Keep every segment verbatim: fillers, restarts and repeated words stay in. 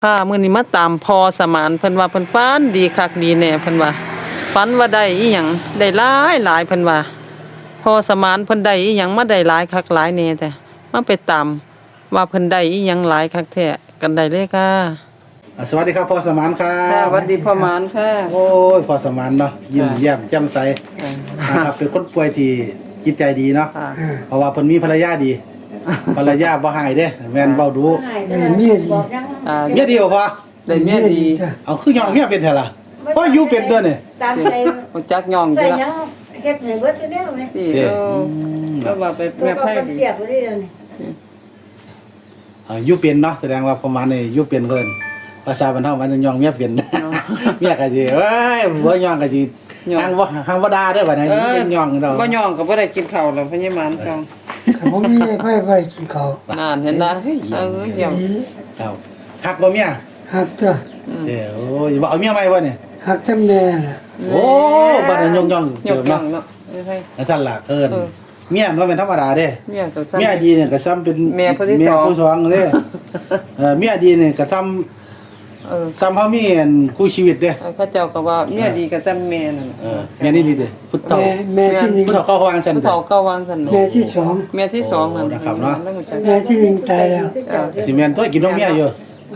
ค่ะมื้อนี้มาตามพอสมานเพิ่นว่าเพิ่นฝันดีคักดีแน่เพิ่นว่าฝันว่าได้อีหยังได้หลายหลายเพิ่นว่าพอสมานเพิ่นได้อีหยังมาได้หลายคักหลายแน่แต่มาไปตามว่าเพิ่นได้อีหยังหลายคักแท้กันได้เลยค่ะอ่าสวัสดีครับพ่อสมานครัค่ะบสวัสดีพ่อมานค่ะโอ้ยพ่อสมานเนาะยิ้มแย้มแจ่มใสนะครับเป็นคนป่วยที่จิตใจดีเนาะค่ะเพราะว่าเพิ่นมีภรรยาดีภรรยาบ่หายเด้แม่นเว้าดูเออเมียดีอ่าเมียดีบ่พ่อได้เมียดีจ้ะเอาคือย่องเมียเป็นแท้ล่ะพ่ออยู่เป็นตัวนี่ตามใจรู้จักย่องอใส่ยู่หยัละงเฮ็ดให้เบิดซะแนวแม่ที่เออก็ว่าไปตัวแม่ก็ไผมันดีเสียบบ่ได้เดี๋ยวนี้อ่าอยู่เป็นเนาะแสดงว่าประมาณนี้อยู่เป็นเพิ่นภาษาบ้านเฮามันย่องเมียเป็นเมียก็สิเอ้ยบ่ย่องก็สิทางบ่ทางบ่ด่าเด้อบัดนี้เป็นย่องเด้อบ่ย่องก็บ่ได้กินข้าวแล้วพญามานจ้องคันบ่มีไผไผกินข้าวนานเห็นนะเออเยี่ยมดีครับฮักบ่เมียฮักจ้ะเด้อโอ้ยบ่เอาเมียใหม่บ่เนี่ยฮักจำแน่ล่ะโอ้บัดนั้นย่องย่องยเติกมย่อเนาะงเนาะไม่ใช่นั่นสั่นล่ะเอิ้นเออเมียมันบ่แม่นธรรมดาเด้เมียตัวซ้ำเมียดีเนี่ยก็ซ้ำเป็นแม่ผู้ที่สองแม่ผู้สองเด้เออเมียดีเนี่ยก็ซ้ำเออซ้ำเฮามีอันคู่ชีวิตเด้เขาเจ้าก็ว่าเมียดีกับซ้ำแม่นั่นเออแม่นี่ดีเด้พุทธเฒ่าแม่แม่ที่หนึ่งพุทธเฒ่าเข้าวางซั่นผู้เด้เฒ่าก็วางกันแม่ที่สองแม่ที่สองนั่นโอ้นะครับเนาะแล้วรู้จักแม่ที่หนึ่งตายแล้วสิแม่นตัวกินนมเมียอยู่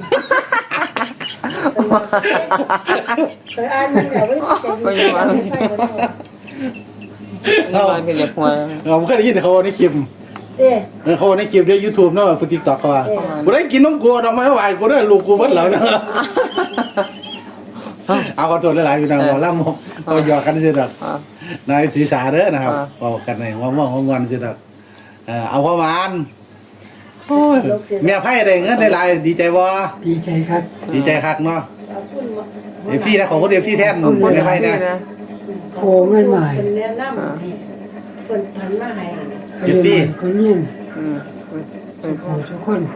เคยอ่านมันแล้วไว้ใจอยู่นี่ว่าคืออยากหัวเราบ่เคยได้ยินแต่เขาในคลิปเด้เออเขาในคลิปใน YouTube เนาะฟุ TikTok เขาว่าบ่ได้กินนมกูดอกไม้ไหวกูเด้อลูกกูเบิดแล้วนะเอาขอโทษหลายๆพี่น้องบ่ล่ำบ่หยอกกันซื่อดอกอ่านายถือสาเด้อนะครับอ่าบอกกันในว่างๆงอนๆสิดอกเออเอาประมาณโอ้ยเมียไพ่ได้เงินได้หลายดีใจบ่ดีใจครับดีใจคักเนาะเอาคุณเอฟซีนะของคนเอฟซีแทนคนเมียไพ่ที่นะนะโคเงินใหม่เป็นแนะนำให้เพิ่นพันมาให้อายุมันคนยิ่งอืมทุกคนทุกคน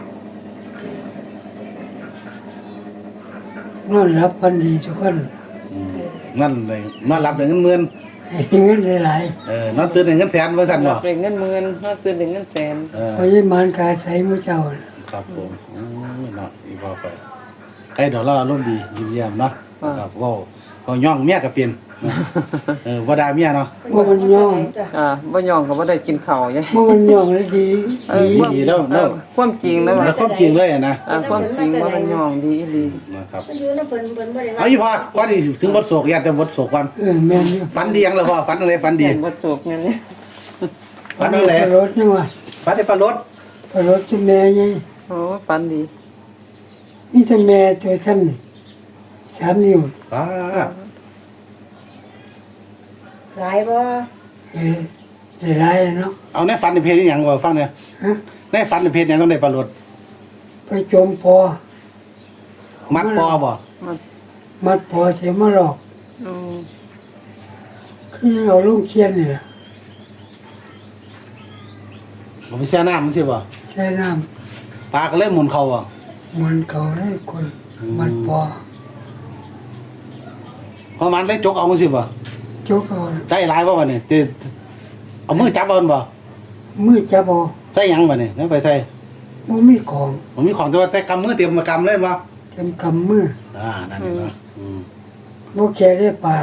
นอนรับพันดีทุกคนนั่นเลยนอนหลับได้เงินหมื่นให้เงินหลายเออนอนตื่นได้เงินแสนว่าซั่นบ่เป็นเงินหมื่นนอกตื่นเป็นเงินแสนเออๆเพราะยิ่งมันกายใส่มือเจ้าน่ะครับผมอืมเนาะอีบ่ไปใครดอกเราอารมณ์ดียิ้มแย้มเนาะครับเว้าเว้าย่องเมียก็เป็นเนาะเออบ่ด่าเมียเนาะว่ามันย่องอ่าบ่ย่องก็บ่ได้กินข้าวยัยว่ามันย่องเลยดีเออดีแล้วเอเนาะอความจริงแล้วว่าแล้วความจริงเลยอะนะอ่าความจริงว่ามันย่องดีอีหลีนะครับเพิ่นอยู่นำเพิ่นเพิ่นบ่ได้เอาอีพ่อก่อนที่ถึงบทโศกอยากจะบทโศกก่อนเออแม่นอยู่ฝันดียังเลยพ่อฝันอะไรฝันดีเห็นบ่จบงั้นนี่ฝันอะไรปลารถนี่ว่าฝันในปลารถปลารถที่แม่ยังโอ้ฝันดีนี่จะแม่ตัวซ้ำนี่สามนิ้วป้าดหลายบ่เออได้หลายเนาะเอาในฝันในเพจนี่ยังบ่ฟังเนี่ยฮะในฝันในเพจยังต้องได้ปลารถไปจมพอมัดปอบ่มัดพอเสียมาหลอกอืมคือเอาลุงเคียนนี่แหละบ่ไปแช่น้ำมันสิบ่ใช้น้ปลาก็เลยหมุนเขาบ่ำมันเขาให้คนมัดพอเพราะมันเลยจกเอามันสิบ่จกเอาได้หลายบ่บัดนี้ติเอามือจับเอามันบ่มือจับเอาใส่หยังบัดนี้แล้วไปใส่บ่มีของผมมีของแต่ว่าใส่กำมือเตรียมมากำเลยบ่เต็มกำมืออ่านั่นนี่เนาะอืมบ่แก่ได้ปลา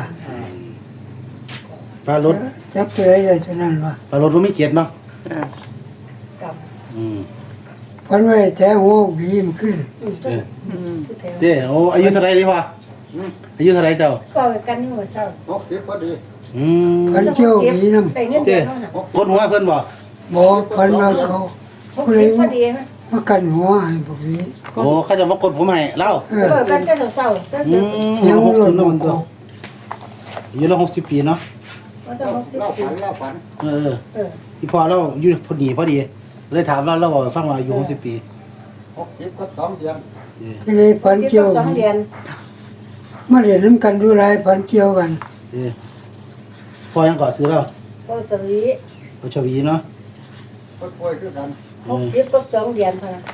ปลารถจับไปได้ได้เท่านั้นว่าปลารถบ่มีเกียรติเนาะอ่ากับอืมพันไว้แท้หัวบีมขึ้นอืมเอออืมผู้แถวเด้โอ้อายุเท่าไหร่ดิพ่ออายุเท่าไหร่เจ้าก็กันอยู่เช้าอืมพันเจ้าบีน้ำได้เงินเดือนเท่านั้นกดหัวเพิ่นบ่บ่พันว่าเขาหกสิบพอดีนะมากันหัวให้พวกนี้โอ้เขาจะมากดผมให้เล่าเอเอออกันก็เช้าๆก็อืคือมเที่ยวหกรสิถบลแล้วงมันตัวเขาอายุเราหกสิบปีเนาะมันต้องหกสิบปีเออเออที่พอเราอยู่พอดีพอดี เลยถามเราเราบอกให้ฟังว่าอายุหกสิบปีหกสิบก็สองเดือนเออที่เลยพันสิบเกี่ยวสองบีเดือนมาเรียนน้ำกันดูไรพันเกี่ยวกันเออพอยังก่อซื้อแล้วก็สวีพอชวีเนาะก็ป่วยคือกันหกสิบก็สองเดือนพอนะ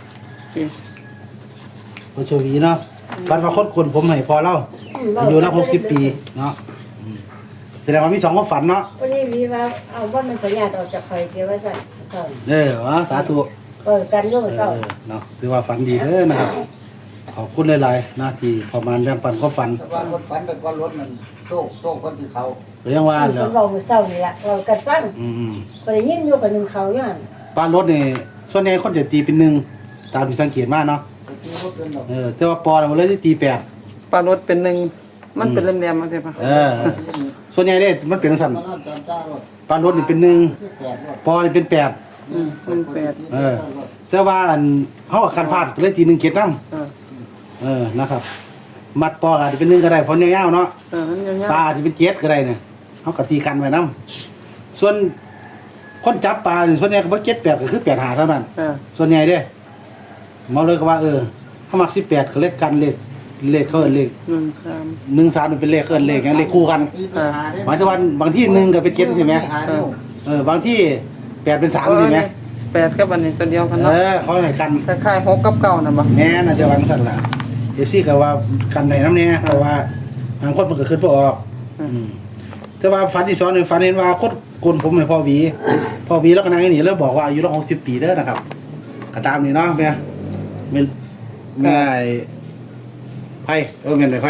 พอชวีเนาะฟันว่าคนคนผมให้พอเล่าอายุเราหกสิบปีเนาะอืมแสดงว่ามีสองความฝันเนาะพอดีมีว่าเอาว่ามันประหยัดออกจากไฟเกี่ยวว่าสั่นสั่นเออวะสาธุเปิดกันอยู่เอเช้าอเนาะถือว่าฝันดีเด้อนะครับขอบคุณหลายๆหน้าที่ประมาณแบ่งปันความฝันแต่ว่าคนฝันแต่ก็รถมันโชคโชคคนที่เขาหรือยังว่าเพิ่แล้วนเว้ามื้อเช้านี่ล่ะเรากัดฟังอืมก็ได้ยินอยู่กับหนึ่งเขาอยู่หั่นๆปลารถนี่ส่วนใหญ่คนจะตีเป็นหนึ่งตามที่สังเกตมาเนาะก็คือรถเป็นแบบเออแต่ว่าปอน่ะมันเลยตีแปดปลารสเป็นหนึ่งมันเป็นแหลมๆมาใช่ปะเออส่วนใหญ่เด้มันเป็นสั่นมันน่าจะจ้ารถปลารถนี่เป็นหนึ่งที่แสบรถปอนี่เป็นแปดอืมมันแปดเออ แต่ว่าอันเฮาคันพลาดก็เลยตีหนึ่งเกตนำเออเออนะครับ มัดปออาจจะเป็นหนึ่งก็ได้เพราะยาวๆเนาะเออมันยาวปลาอาจจะเป็นเจ็ดก็ได้เนี่ยเฮาก็ตีกันไว้นํส่วนคนจับปลานี่ส่วนใหญ่ก็บ่เจ็ดแปดก็คือแปดห้าเท่านั้นๆเออส่วนใหญ่เด้เมาเลยก็ว่าเออเขามักสิบแปดเขาเลขกันเลขเลขเขาเอิ้นเลขหนึ่งสามหนึ่งสามนี่เป็นเลขเอิ้นเลขหยังเลขคู่กันตีปัญหาได้หมายถึงว่าบางที่หนึ่งก็เป็นเจ็ดใช่ไหมหานิ้วเออบางที่แปดเป็นสามใช่ไหมแปดกับอันนี้ตัวเดียวกันเอเนาะอเขาไหนกันคล้ายๆหกกับเก้าน่ะบ่แน่น่ะเดียวกันสั่นล่ะเอฟซีก็ว่ากันไหนน้ำเนี่ยเพราะว่าบางคนมันก็ขึ้นบ่ออกอืมแต่ว่าฝันที่สองเนี่ยฝันเห็นว่าคนกลผมให้พ่อหวีพ่อหวีแล้วก็นางนี่แล้วบอกว่าอายุเราหกสิบปีเด้อนะครับก็ตามนี่เนาะแม่แม่แม่ไพ่เออแม่ไหนไพ่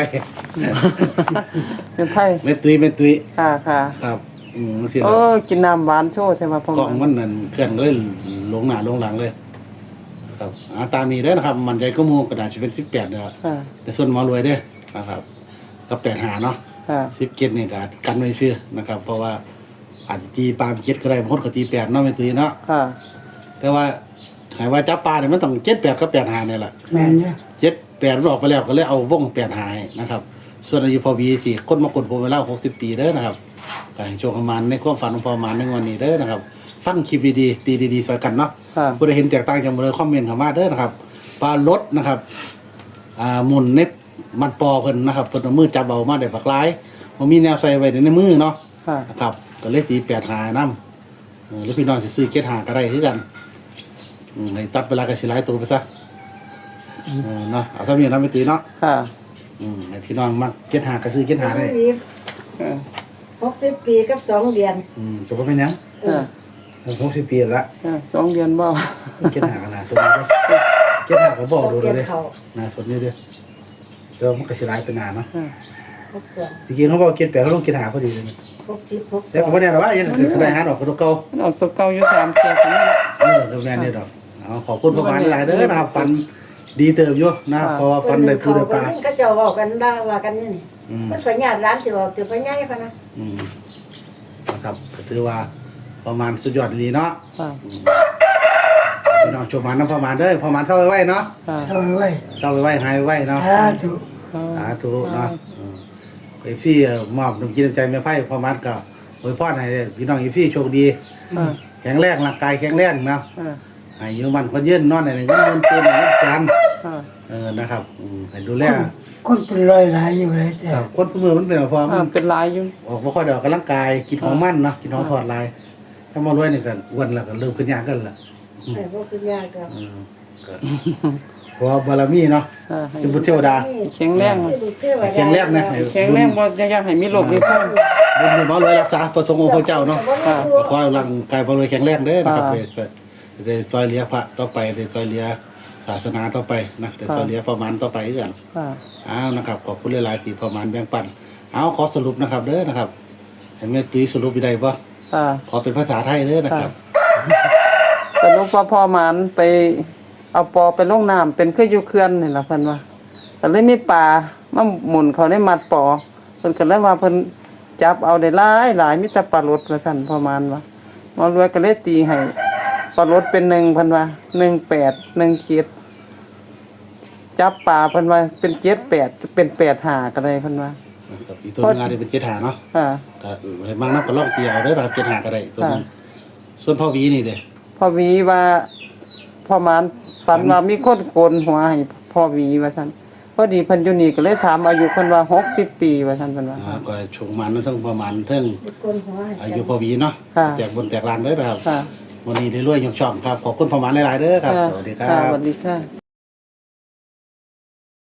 เป็นไผ่แม่ตุ้ยแม่ตุ้ยค่ะค่ะครับอืมสิโอ้กินน้ำหวานโชว์ใช่ป่ะพ่อกล้องมันนั่นเคลื่อนเลยลงหน้าลงหลังเลย ครับอ่าตามนี้เด้อนะครับ มันใจก็มูกระดาษจะเป็นสิบแปดเนี่ยค่ะแต่ส่วนหมอรวยเด้อนะครับก็แปดหาเนาะค่ะสิบเจ็ดเนี่ยก็กันไว้ซื้อนะครับ เพราะว่าอาจจะตีปลาเจ็ดก็ได้บางคนก็ตีแปดเนาะไม่ตีเนาะค่ะแต่ว่าหายว่าจับปลาเนี่ยมันต้องเจ็ดแปดก็แปดหาเนี่ยแหละแม่นเนี่ยเจ็ดแปดมันออกไปแล้วก็เลยเอาวงแปดหายนะครับ ส่วนอายุพอวีสี่คนมากดผมไปแล้วหกสิบปีเด้อนะครับก็ให้โชคประมาณในความฝันของพอประมาณในวันนี้เด้อนะครับ ฟังคลิปดีๆตีดีๆสอยกันเนาะค่ะผู้ใดเห็นแตกต่างจากมาเลยคอมเมนต์เข้ามาเด้อนะครับปลารถนะครับอ่าหมุนในมันปอเพิ่นนะครับเพิ่นเอามือจับเบามาได้ปักหลายบ่มีแนวใส่ไว้ในมือเนาะค่ะนะครับก็เลยตีแปดหานำเออหรือพี่น้องสิซื้อเจ็ดหาก็ได้คือกันอืมให้ตัดเวลาก็สิหลายตัวไปซะเออเนาะเอาเท่านี้เนาะไม่ตีเนาะค่ะอืมให้พี่น้องมักเจ็ดหาก็ซื้อเจ็ดหาได้เออหกสิบปีกับสองเดือนอืมก็บ่เป็นหยังเออหกสิบปีละเออสองเดือนบ่เจ็ดหาก็น่าสนอยู่เจ็ดหาก็บอกดูเดืเลยอนเขาน่าสนอยู่เด้อแต่ว่ามันก็สิหลายเป็นหนาเนาะเออหกสองจริงๆเขาบอกเจ็ดแปดเขาลงเจ็ดหาพอดีเลยหกสิบหกสแต่องผมว่าเนี่ยหรอว่ายังเกิดขึ้นได้หาดอกกระตุกเก่ามันออกตัวเก่าอยู่สามเที่ยวกันนี่เออก็แม่นนี่ดอกเอาขอบคุณประมาณหลายเด้อนะครับฟันดีเติบอยู่นะครับเพราะว่าฟันได้ปูได้ปลาเพิ่นก็เจ้าเว้ากันได้ว่ากันนี่นี่อืมมันขอญาติร้านสิบอกตัวพ่อใหญ่พะนะอืมนะครับก็ถือว่าประมาณสุดยอดดีเนาะค่ะพี่น้องชมมันน้ำประมาณเด้อประมาณเท่าไว้เนาะค่ะเศร้าไว้เท่าไว้หายไว้เนาะสาธุสาธุเนาะเอฟซีมอบน้ำจิตน้ำใจแม่ไพ่ประมาณก็อวยพรให้พี่น้องเอฟซีโชคดีค่ะแข็งแรงร่างกายแข็งแรงเนาะค่ะให้อยืมมันคนยืนนอนในเงินเงินเต็มเงินกันค่ะเออนะครับอืมให้ดูแลคนเป็นร้อยหลายอยู่เลยแต่ครับคนสมือมันเป็นอะไรพอมัอ่าน เป็นหลายอยู่ออกมาค่อยเดออกกำลังกายกินของมันเนาะกินของทอดลายถ้ามารวยนี่ก็อ้วนแล้วก็เริ่มขึ้นยากกันละไอ้พวกคือยากก็อืมก็เพราะว่าบารมีเนาะค่ะให้เป็นบุตรเทวดาแข็งแรงแข็งแรงนะแข็งแรงบ่อยากให้มีโรคมีภัยบุญบุญบ่รวยรักษาประสงค์องค์พระเจ้าเนาะค่ะขอให้ร่างกายบ่รวยแข็งแรงเด้อนะครับค่ะได้ช่วยได้ซอยเหลือพระต่อไปได้ซอยเหลือศาสนาต่อไปนะได้ซอยเหลือประมาณต่อไปคือกันค่ะอ้าวนะครับขอบคุณหลายๆที่ประมาณแบ่งปันเอาขอสรุปนะครับเด้อนะครับให้แม่ตุ้ยสรุปได้บ่ค่ะขอเป็นภาษาไทยเด้อนะครับสรุปว่าพ่อหมานไปเอาปอไปลงน้ำเป็นคืออยู่เขื่อนนี่ล่ะเพิ่นว่าก็เลยมีปลามาหมุนเขาในมัดปอเพิ่นก็เลยว่าเพิ่นจับเอาได้หลายหลายมีแต่ปลารดว่าซั่นพ่อหมานว่าหมอรวยก็เลยตีให้ปลารดเป็นหนึ่งเพิ่นว่าหนึ่งแปด หนึ่งเจ็ดจับปลาเพิ่นว่าเป็นเจ็ดแปดเป็นแปดห้าก็ได้เพิ่นว่านะครับอีกตัวหนึงอาจจะเป็นเจ็ดหาเนาะค่ะก็ให้บางนับก็ลองเตียวเด้อนะครับเจ็ดหาก็ได้ตัวนึงส่วนพ่อวีนี่เด้อพ่อหวีว่าพ่อหมานฝันว่ามีคนโกนหัวให้พ่อหวีว่าซั่นพอดีเพิ่นอยู่นี่ก็เลยถามอายุเพิ่นว่าหกสิบปีว่าซั่นเพิ่นว่าอ่าก็ชงมันทั้งประมาณทั้งกนหัวให้อายุพ่อวีเนาะค่ะแตกบนแตกลานเด้อนะครับค่ะวันนี้ได้รวยยกช่องครับขอบคุณประมาณหลายๆเด้อครับสวัสดีครัค่ะสบวัสดีค่ะ